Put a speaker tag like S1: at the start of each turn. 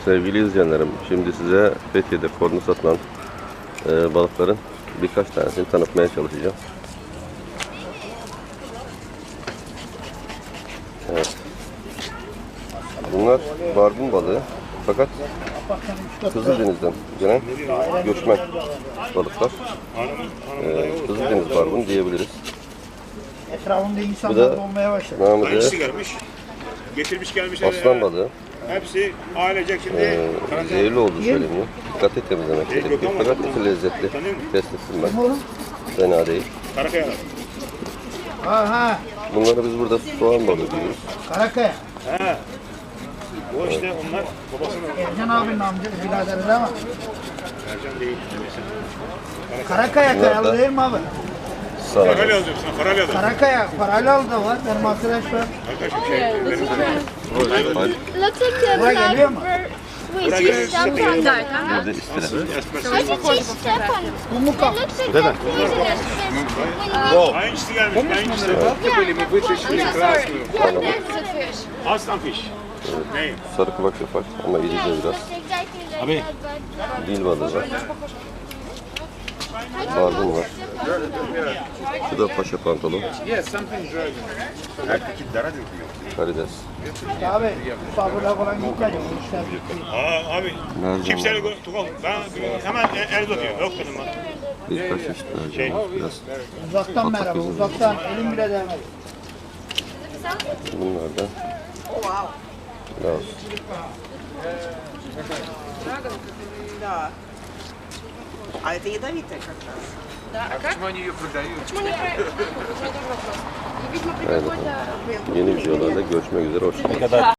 S1: Sevgili izleyenlerim, şimdi size Fethiye'de kornu satılan balıkların birkaç tanesini tanıtmaya çalışacağım. Evet. Bunlar barbun balığı, fakat Kızıldeniz'den gelen göçmen balıklar. Kızıldeniz barbun diyebiliriz.
S2: Etrafında
S1: Bu
S2: insanlar
S1: da
S2: dolmaya başladı.
S1: namı
S3: Hangisi
S1: diğer
S3: gelmiş? Getirmiş gelmiş.
S1: aslan balığı.
S3: Hepsi ailecek şimdi.
S1: Zehirli olduğu söyleniyor. Dikkatli temizlemek gerekiyor. Fakat eti lezzetli. Test ettim ben. Fena değil.
S3: Karakaya.
S2: Ha,
S1: Bunları biz burada soğan balığı diyoruz.
S2: Karakaya.
S3: He. O işte onlar babasının
S2: Ercan abinin amcası biraderi değil mi?
S3: Ercan değil.
S2: Karakaya
S1: Bunlar
S2: kayalı
S1: da-
S2: değil mi abi?
S3: Parayla
S1: Sağ
S3: alacağım sana parayla alacağım.
S2: Karakaya paralı da var. Benim arkadaş var.
S3: Arkadaşım şey.
S4: Looks like
S2: Buraya
S4: the
S2: geliyor mu?
S4: wait, she stepped on that.
S1: Burada istenen.
S4: How did she step on it?
S2: Bu mu
S4: It
S2: kap?
S4: looks like they're poisonous because
S3: Hangisi gelmiş? Hangisi?
S4: yeah, there's a fish.
S3: Aslan fiş. Ne?
S1: Sarı kulak yapar ama irice biraz.
S4: Looks exactly like that, but
S1: Dil balığı var. Barbun var. Şu da paşa pantolon. Karides.
S2: Abi sabırla falan gitmeyeceğim. Bu işler bitti.
S3: Aa abi.
S1: Nerede
S3: Kimseyle
S1: var?
S3: tukal. Ben hemen Erdo diyor. Yok dedim ben.
S1: Birkaç çeşit mercan var. Biraz.
S2: Uzaktan merhaba. Uzaktan. Elim bile değmedi.
S1: Bunlar da Laos.
S5: Да. А это ядовитая как раз.
S1: Evet efendim. Yeni videolarda görüşmek üzere. Hoşçakalın.